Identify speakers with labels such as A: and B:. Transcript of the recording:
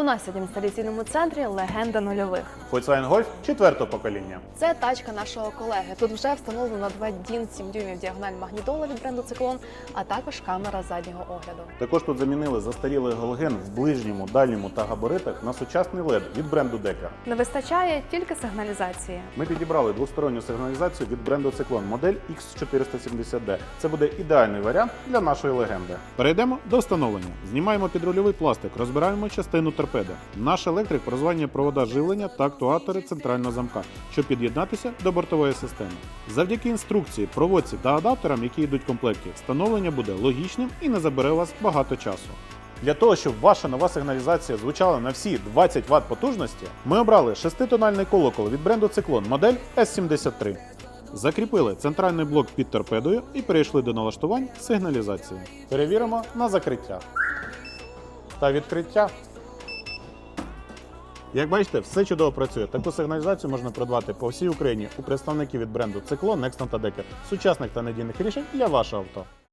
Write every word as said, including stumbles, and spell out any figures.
A: У нас сьогодні в інсталяційному центрі легенда нульових.
B: Volkswagen Golf четвертого покоління.
A: Це тачка нашого колеги. Тут вже встановлено два дін сім дюймів діагональ магнітола від бренду Циклон, а також камера заднього огляду.
B: Також тут замінили застарілий галоген в ближньому, дальньому та габаритах на сучасний лед від бренду Дека.
A: Не вистачає тільки сигналізації.
B: Ми підібрали двосторонню сигналізацію від бренду Циклон, модель ікс чотириста сімдесят ді. Це буде ідеальний варіант для нашої легенди. Перейдемо до встановлення. Знімаємо підрульовий пластик, розбираємо частину торпеди. Наш електрик прозванює провода живлення та актуатори центрального замка, щоб під'єднатися до бортової системи. Завдяки інструкції, проводці та адаптерам, які йдуть в комплекті, встановлення буде логічним і не забере у вас багато часу. Для того, щоб ваша нова сигналізація звучала на всі двадцять ватт потужності, ми обрали шеститональний колокол від бренду Циклон, модель ес сімдесят три. Закріпили центральний блок під торпедою і перейшли до налаштувань сигналізації. Перевіримо на закриття та відкриття. Як бачите, все чудово працює. Таку сигналізацію можна придбати по всій Україні у представників від бренду Циклон, Nexton та Decker. Сучасних та надійних рішень для вашого авто.